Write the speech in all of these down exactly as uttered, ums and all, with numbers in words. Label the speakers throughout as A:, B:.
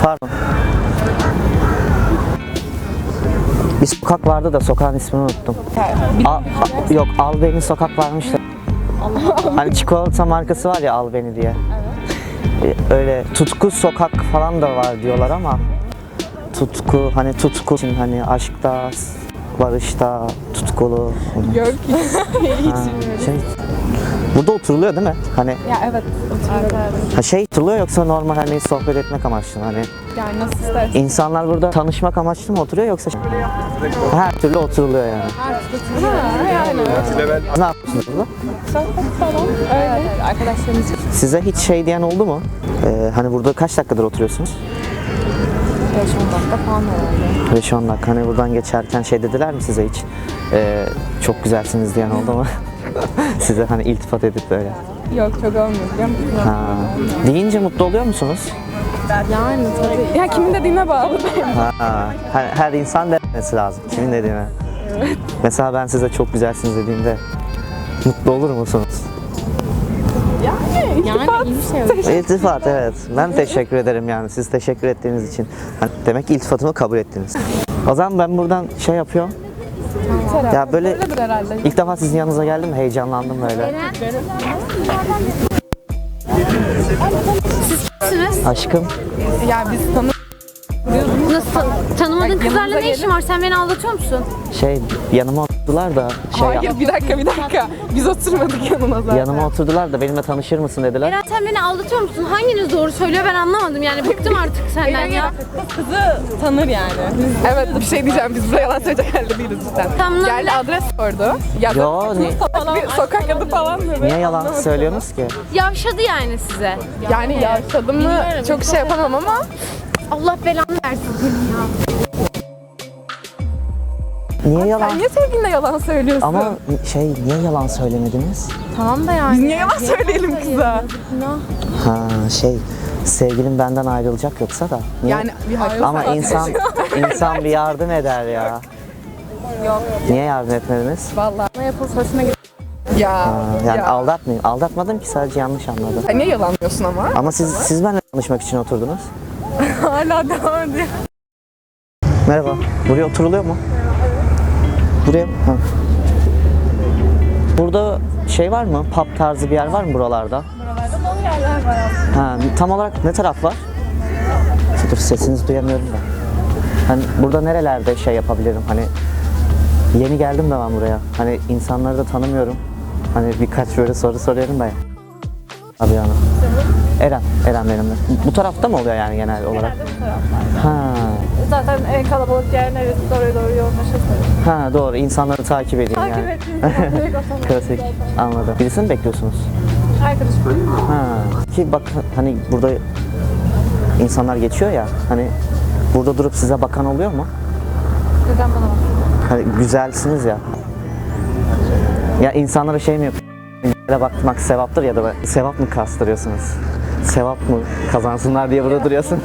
A: Pardon. Bir sokak vardı da sokağın ismini unuttum. Al, a- yok Albeni sokak varmış da. Hani çikolata markası var ya Albeni diye. Evet. Öyle Tutku sokak falan da var diyorlar ama tutku hani tutku için hani aşkta, barışta, tutkulu.
B: Yok.
A: Ha, şey, burada oturuluyor değil mi? Hani
B: Ya evet. Oturuyorum.
A: ha şey oturuluyor yoksa normal hani sohbet etmek amaçlı hani
B: Yani nasıl istersen.
A: insanlar burada tanışmak amaçlı mı oturuyor yoksa her türlü oturuluyor yani.
B: Ha, yani.
A: Ne yapıyorsunuz burada?
B: Sohbet falan. Öyle. Arkadaşlarımız.
A: Size hiç şey diyen oldu mu? Ee, hani burada kaç dakikadır oturuyorsunuz?
B: beş on dakika falan herhalde.
A: beş on dakika. Hani buradan geçerken şey dediler mi size hiç? Ee, çok güzelsiniz diyen oldu mu? Size hani iltifat edip böyle.
B: Yok çok olmuyor biliyor musun?
A: Ha. Deyince mutlu oluyor musunuz?
B: Yani tabii. Ya kimin dediğine bağlı.
A: Ha. Her, her insan demesi lazım. Kimin dediğine. Evet. Mesela ben size çok güzelsiniz dediğimde mutlu olur musunuz?
B: Yani yani iyi bir şey.
A: İltifat evet. Ben teşekkür ederim yani siz teşekkür ettiğiniz için. Hani demek ki iltifatımı kabul ettiniz. O zaman ben buradan şey yapıyorum. Ya böyle
B: Öyledir herhalde.
A: ilk defa sizin yanınıza geldim heyecanlandım böyle.
C: Sizsiniz.
A: Aşkım
B: Ya biz tanı
C: Nasıl tan- tanımadığın kızlarla
B: yanımıza
C: ne işin var? Sen beni aldatıyor musun?
A: şey yanıma oturdular da şey
B: Hayır bir dakika bir dakika. Biz oturmadık yanına zaten.
A: yanıma oturdular da benimle tanışır mısın dediler.
C: Eren sen beni aldatıyor musun? Hanginiz doğru söylüyor ben anlamadım yani bıktım artık senden ya.
B: Kızı tanır yani. Evet bir şey diyeceğim biz buraya yalan söyleyecek halde değiliz cidden.
C: Tamam,
B: Geldi
C: ne?
B: adres sordu. Ya
A: Yo, ne-
B: bir sokak adı falan dedi.
A: Niye yalan söylüyorsunuz ki?
C: Yavşadı yani size.
B: Yani yaşadım mı çok şey yapamam ama
C: Allah belanı versin senin ya.
A: Niye yalan?
B: sen niye sevgiline yalan söylüyorsun?
A: Ama şey niye yalan söylemediniz?
C: Tamam da yani.
B: Biz niye yalan söyleyelim kıza?
A: Ha şey sevgilim benden ayrılacak yoksa da. Niye?
B: Yani bir hayır.
A: Ama insan insan bir yardım eder ya.
B: Yok.
A: Niye yardım etmediniz?
B: Vallahi ne yapılsa hoşuna gidiyor. Ya,
A: Ha, yani
B: ya.
A: aldatmayayım. Aldatmadım ki sadece yanlış anladım.
B: Sen niye yalanlıyorsun ama?
A: Ama siz siz benimle tanışmak için oturdunuz.
B: Hala devam ediyor.
A: Merhaba. Buraya oturuluyor mu? Buraya mı? Ha. Burada şey var mı? Pub tarzı bir yer var mı buralarda?
B: Buralarda dolu yerler var aslında.
A: Ha, tam olarak ne taraf var? Dur sesinizi duyamıyorum da. Hani burada nerelerde şey yapabilirim? Hani yeni geldim de ben buraya. Hani insanları da tanımıyorum. Hani birkaç böyle soru soruyorum da ya. Abi yani. Eren, Eren benimle. Bu tarafta mı oluyor yani genel olarak?
B: Genelde bu taraflarda.
A: Ha,
B: Zaten en kalabalık yer neresi oraya doğru yoğunlaşırsanız.
A: ha doğru. İnsanları takip edeyim
B: Takip
A: yani.
B: ettiğiniz zaman direkt otomatik.
A: Klasik. Anladım. Birisini mi bekliyorsunuz?
B: Arkadaşım.
A: Ha. Ki bak hani burada insanlar geçiyor ya. Hani burada durup size bakan oluyor mu?
B: Neden bana bak?
A: Hani güzelsiniz ya. Ya insanlara şey mi yapıyor? Bakmak sevaptır ya da böyle sevap mı kastırıyorsunuz? Sevap mı kazansınlar diye burada duruyorsunuz?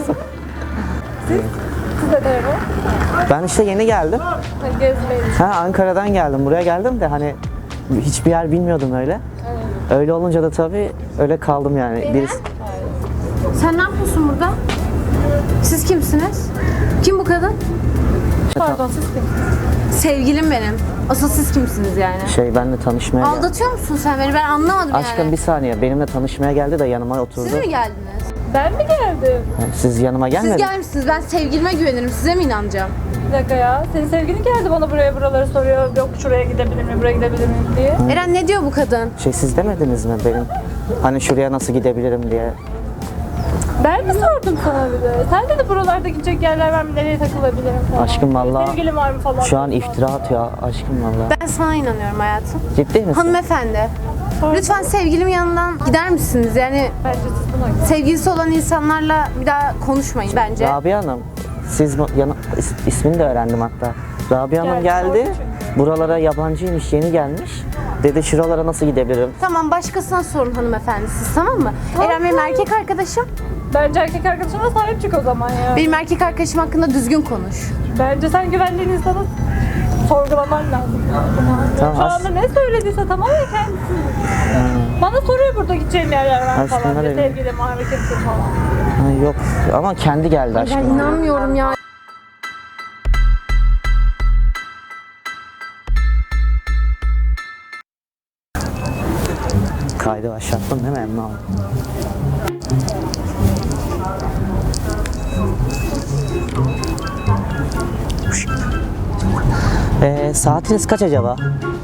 B: Size de bu.
A: Ben işte yeni geldim.
B: Gezmeyi.
A: Ha Ankara'dan geldim. Buraya geldim de hani hiçbir yer bilmiyordum öyle. Öyle olunca da tabii öyle kaldım yani. Birisi...
C: Sen ne yapıyorsun burada? Siz kimsiniz? Kim bu kadın?
B: Pardon siz kim?
C: Sevgilim benim. Asıl siz kimsiniz yani?
A: Şey benimle tanışmaya geldi.
C: Aldatıyor musun sen beni? Ben anlamadım
A: Aşkım
C: yani.
A: bir saniye. Benimle tanışmaya geldi de yanıma oturdu.
C: Siz mi geldiniz?
B: Ben mi geldim?
A: Yani siz yanıma
C: Siz
A: gelmediniz.
C: gelmişsiniz. Ben sevgilime güvenirim. Size mi inanacağım?
B: Bir dakika ya. Senin sevgilin geldi bana buraya buraları soruyor. Yok şuraya gidebilir miyim, buraya gidebilir miyim diye.
C: Eren ne diyor bu kadın?
A: Şey siz demediniz mi benim? Hani şuraya nasıl gidebilirim diye.
B: Ben mi sordum sana bir de? Sen dedi buralarda gidecek yerler var mı, nereye takılabilirim falan.
A: Aşkım vallahi
B: Sevgilin var mı falan.
A: şu an iftira atıyor aşkım vallahi.
C: Ben sana inanıyorum hayatım.
A: Ciddi misin?
C: Hanımefendi. Lütfen sevgilim yanından gider misiniz? Yani
B: Bence siz buna gidin.
C: sevgilisi olan insanlarla bir daha konuşmayın bence.
A: Rabia Hanım, siz mi- yana, is- ismini de öğrendim hatta. Rabia Hanım
B: Geldi,
A: geldi,
B: sordu çünkü.
A: buralara yabancıymış, yeni gelmiş. Dedi şuralara nasıl gidebilirim?
C: Tamam başkasına sorun hanımefendi siz tamam mı? Eren benim erkek arkadaşım.
B: Bence erkek arkadaşına sahip çık o zaman ya.
C: Benim erkek arkadaşım hakkında düzgün konuş.
B: Bence sen güvendiğin insana sorgulaman lazım.
A: Tamam,
B: Şu
A: as-
B: anda ne söylediyse tamamen kendisi. Bana soruyor burada gideceğim yerler var
A: Aslında
B: falan.
A: öyle.
B: Sevgilim, hareketim falan.
A: Ha, yok ama kendi geldi
C: Ben
A: aşkım.
C: inanmıyorum ya.
A: Kaydı başlattın değil mi Emre abi? Ee, saatiniz kaç acaba?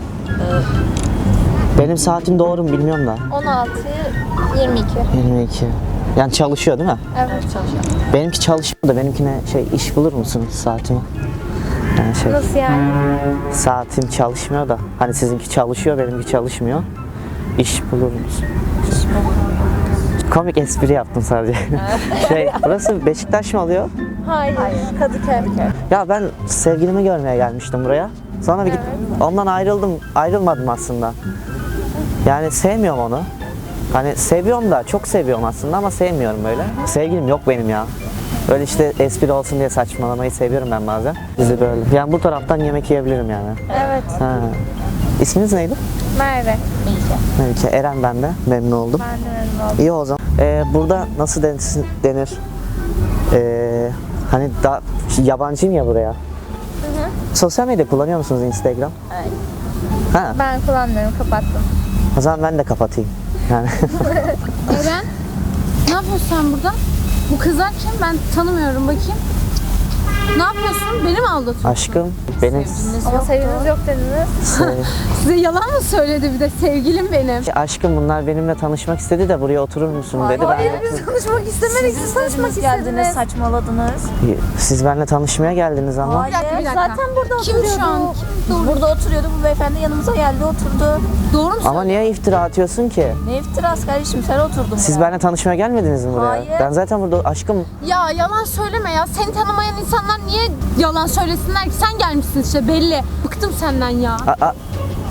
A: Benim saatim doğru mu bilmiyorum da.
B: on altı yirmi iki.
A: yirmi iki. Yani çalışıyor değil mi?
B: Evet çalışıyor.
A: Benimki çalışmıyor da benimkine şey iş bulur musunuz saatime? Yani şey,
B: Nasıl yani?
A: saatim çalışmıyor da hani sizinki çalışıyor benimki çalışmıyor. İş bulur musun? Komik espri yaptım sadece. şey, burası Beşiktaş mı oluyor?
B: Hayır. Kadıköy.
A: Ya ben sevgilimi görmeye gelmiştim buraya. Sonra bir git, ondan ayrıldım, ayrılmadım aslında. Yani sevmiyorum onu. Hani seviyorum da, çok seviyorum aslında ama sevmiyorum böyle. Sevgilim yok benim ya. Böyle işte espri olsun diye saçmalamayı seviyorum ben bazen. Bizi böyle. Yani bu taraftan yemek yiyebilirim yani.
B: Evet.
A: Ha. İsminiz neydi?
B: Merve.
A: Melike. Eren ben de. Memnun oldum.
B: Ben de memnun oldum.
A: İyi o zaman. Ee, burada nasıl denir? denir? Ee, hani da yabancıyım ya buraya. Sosyal medya kullanıyor musunuz Instagram?
B: Evet.
A: Ha.
B: Ben kullanmıyorum, kapattım.
A: O zaman ben de kapatayım. Yani
C: Eren, ne yapıyorsun sen burada? Bu kızlar kim? Ben tanımıyorum, bakayım. Ne yapıyorsun? Beni mi aldatıyorsun?
A: aşkım benim
B: Ama sevginiz yok dediniz.
A: se-
C: Size yalan mı söyledi bir de sevgilim benim?
A: aşkım bunlar benimle tanışmak istedi de buraya oturur musun dedi.
B: Hayır,
A: Ben,
B: biz konuşmak istemedik, siz konuşmak
D: geldiniz,
B: istediniz.
D: saçmaladınız.
A: siz benimle tanışmaya geldiniz ama.
D: Hayır,
C: dakika, bir dakika.
D: zaten burada
C: Kim
D: oturuyordu.
C: şu an?
D: Biz burada oturuyorduk, bu beyefendi yanımıza geldi, oturdu.
C: Doğru mu
A: Ama niye iftira atıyorsun ki?
D: Ne iftirası kardeşim, sen oturdun
A: Siz
D: buraya.
A: benimle tanışmaya gelmediniz mi buraya?
D: Hayır.
A: Ben zaten burada aşkım
C: Ya yalan söyleme ya. Seni tanımayan insanlar niye yalan söylesinler ki? Sen gelmişsin işte belli. Bıktım senden ya.
A: a- a-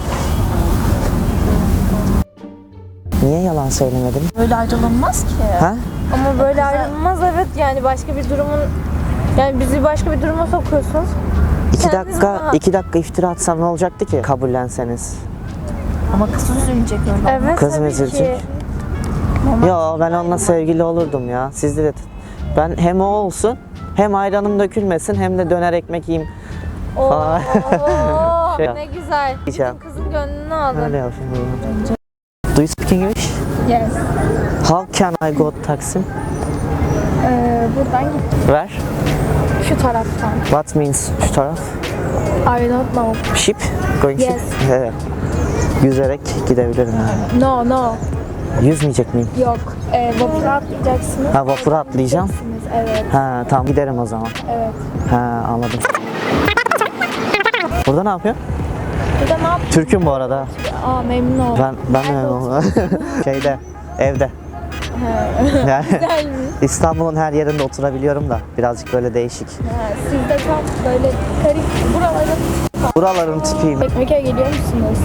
A: Niye yalan söylemedim?
D: Böyle ayrılınmaz ki.
A: Ha?
B: Ama böyle ayrılmaz, evet, yani başka bir durumun, yani bizi başka bir duruma sokuyorsunuz.
A: İki
B: Kendiniz
A: dakika,
B: rahat.
A: iki dakika iftira atsam ne olacaktı ki? Kabullenseniz.
D: Ama kız üzülecek öyle.
B: Evet,
A: Kız mı
B: tabii
A: üzülecek?
B: ki.
A: Yo ben onunla sevgili olurdum ya. Sizde de ben hem o olsun hem ayranım dökülmesin hem de döner ekmek yiyeyim.
B: Oo,
A: Aa. Şey-
B: ne güzel.
A: Diyeceğim.
B: Bütün kızın gönlünü aldın.
A: Öyle yapayım. Do you speak English?
B: Yes.
A: How can I go to Taksim?
B: Ee, buradan git.
A: Where?
B: Şu taraftan.
A: What means şu taraf?
B: I don't know.
A: Ship? Going
B: Yes.
A: ship? Evet. Yüzerek gidebilirim yani.
B: No, no.
A: Yüzmeyecek miyim?
B: Yok. Ee, vapura atlayacaksınız.
A: Ha vapura atlayacağım.
B: Evet,
A: Ha tamam giderim o zaman.
B: evet.
A: Ha anladım. Burada ne yapıyor?
B: Burada ne yapıyorsun?
A: Türk'üm bu arada.
B: Aa, memnun oldum.
A: Ben ben de memnun oldum. Şeyde evde. Yani İstanbul'un her yerinde oturabiliyorum da birazcık böyle değişik.
B: Ha, siz de tam böyle garip buraların
A: Buraların tipiyim.
B: Çekmeköy'e geliyor musunuz?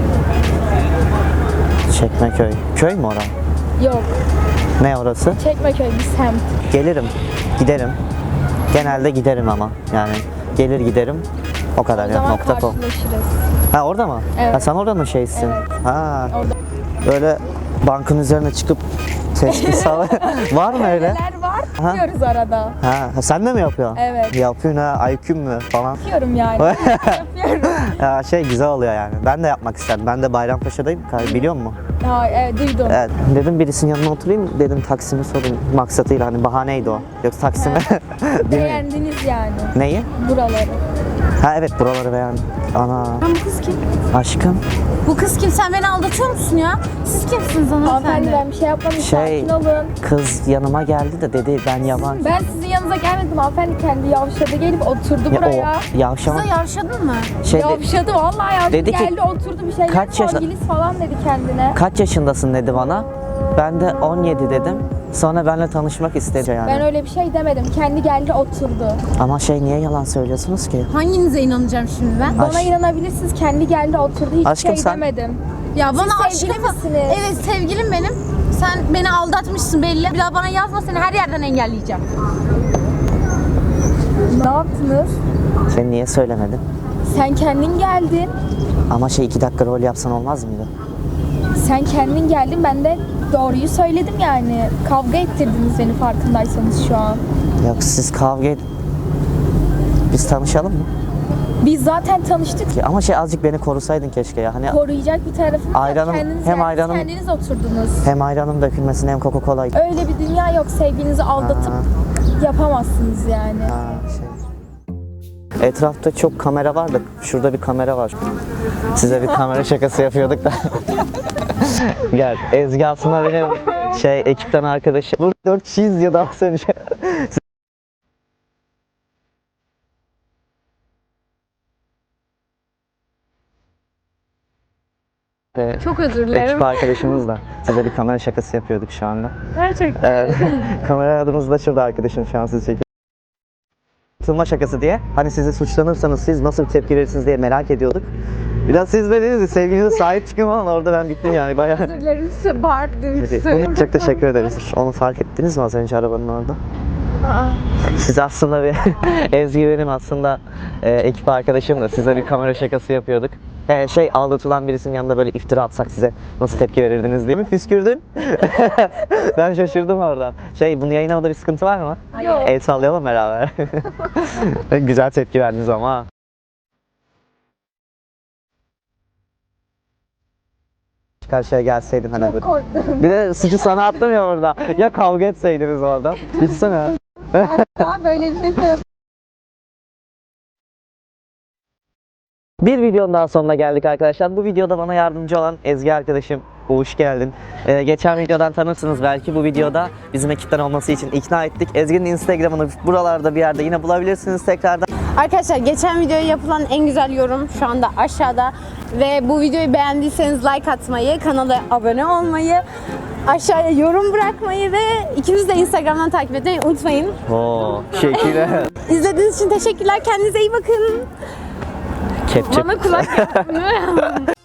A: Çekmeköy. Köy mü orası?
B: Yok.
A: Ne orası?
B: Çekmeköy bir semt.
A: Gelirim. Giderim. Genelde giderim ama. Yani gelir giderim. O kadar
B: O
A: ya.
B: zaman
A: Nokta com.
B: karşılaşırız.
A: Ha orada mı?
B: Evet.
A: Ha sen orada mı şeysin?
B: Evet.
A: Ha.
B: Orada.
A: Böyle bankın üzerine çıkıp tespih sağ var mı öyle?
B: Neler var?
A: Aha.
B: Yapıyoruz arada.
A: Ha, ha, sen de mi yapıyorsun?
B: Evet.
A: Yapıyorsun ha, I Q'm mü falan.
B: Yapıyorum yani. Yapıyorum.
A: Ya şey güzel oluyor yani. Ben de yapmak istedim. Ben de Bayrampaşa'dayım. Biliyor musun?
B: Ha, evet, duydum.
A: Evet. Dedim birisinin yanına oturayım. Dedim Taksim'i sorayım. Maksatıyla hani bahaneydi o. Yoksa Taksim'e bilmiyorum.
B: Beğendiniz yani
A: Neyi?
B: buraları.
A: Ha evet buraları beğendim. Ana.
C: Ben bu kız kim?
A: Aşkım.
C: Bu kız kim? Sen beni aldatıyor musun ya? Siz kimsiniz
B: Hanımefendi,
C: hanımefendi?
B: ben bir şey yapmadım.
A: Şey-
B: Sakin olun.
A: Kız yanıma geldi de dedi ben yabancı.
B: Ben sizin yanınıza gelmedim. Hanımefendi kendi yavşadı, gelip oturdu
A: Ya
B: buraya.
A: o yavşama
C: Kıza yavşadın mı?
A: şey de-
B: Yavşadı vallahi, yavşadı.
A: Dedi ki,
B: geldi oturdu bir şeyler.
A: kaç yaşa-
B: Sevgilisi falan dedi kendine.
A: kaç yaşındasın dedi bana. Ben de on yedi dedim. Sonra benimle tanışmak istedi yani.
B: Ben öyle bir şey demedim. Kendi geldi oturdu.
A: Ama şey niye yalan söylüyorsunuz ki?
C: Hanginize inanacağım şimdi ben?
A: Aş-
B: Bana inanabilirsiniz. Kendi geldi oturdu. Hiç
A: Aşkım
B: şey
A: sen-
B: demedim.
C: Ya bana
B: sevgili
C: aşkım
B: misiniz?
C: Evet sevgilim benim. Sen beni aldatmışsın belli. Bir daha bana yazma, seni her yerden engelleyeceğim.
B: Ne yaptınız?
A: Sen niye söylemedin?
D: Sen kendin geldin.
A: Ama şey iki dakika rol yapsan olmaz mıydı?
D: Sen kendin geldin. Ben de doğruyu söyledim yani. Kavga ettirdiniz beni farkındaysanız şu an.
A: Yok siz kavga et... Biz tanışalım mı?
D: Biz zaten tanıştık.
A: Ya Ama şey azıcık beni korusaydın keşke ya. Hani
D: Koruyacak bir tarafım yok.
A: Ayranım-
D: Kendiniz
A: hem
D: yerdiniz,
A: ayranım-
D: kendiniz oturdunuz.
A: hem ayranım dökülmesin hem Coca-Cola.
D: Öyle bir dünya yok. Sevginizi aldatıp yapamazsınız yani.
A: Ha, şey. Etrafta çok kamera var da şurada bir kamera var. Size bir kamera şakası yapıyorduk da. Gel. Ezgi aslında benim şey ekipten arkadaşım. Bu dört kişi izliyor daha önce. Ve
B: Çok özür
A: ekip
B: dilerim.
A: arkadaşımızla size bir kamera şakası yapıyorduk şu anda.
B: Gerçekten.
A: Evet. Kamera adımız da şurada arkadaşım şu an sizi çekiyor. Atılma şakası diye. Hani sizi suçlanırsanız siz nasıl bir tepki verirsiniz diye merak ediyorduk. Biraz siz de dediniz sevginize sahip çıkın falan orada ben bittim yani bayağı.
B: Özür dilerim size bağırdım.
A: Bunu çok teşekkür ederiz. Onu fark ettiniz mi az önce arabanın orada? Siz aslında bir Ezgi benim aslında e, ekip arkadaşım da size bir kamera şakası yapıyorduk. E, şey aldatılan birisinin yanında böyle iftira atsak size nasıl tepki verirdiniz diye mi püskürdün? Ben şaşırdım oradan. Şey bunu yayınlamada bir sıkıntı var mı?
B: Yok.
A: El sallayalım beraber. Güzel tepki verdiniz ama. ha. Karşıya gelseydin hani böyle.
B: Korktum.
A: Bir de suçu sana attım ya orada. Ya kavga etseydiniz orada. Gitsene.
B: Daha böyle bir şey yok.
A: Bir videonun daha sonuna geldik arkadaşlar. Bu videoda bana yardımcı olan Ezgi arkadaşım. Hoş geldin. Ee, geçen videodan tanırsınız belki. Bu videoda bizim ekipten olması için ikna ettik. Ezgi'nin Instagram'ını buralarda bir yerde yine bulabilirsiniz tekrardan.
C: Arkadaşlar geçen videoya yapılan en güzel yorum şu anda aşağıda. Ve bu videoyu beğendiyseniz like atmayı, kanala abone olmayı, aşağıya yorum bırakmayı ve ikimizi de Instagram'dan takip etmeyi unutmayın.
A: Oo, teşekkürler.
C: İzlediğiniz için teşekkürler. Kendinize iyi bakın.
A: Kepçe.
C: Bana kulak yapın.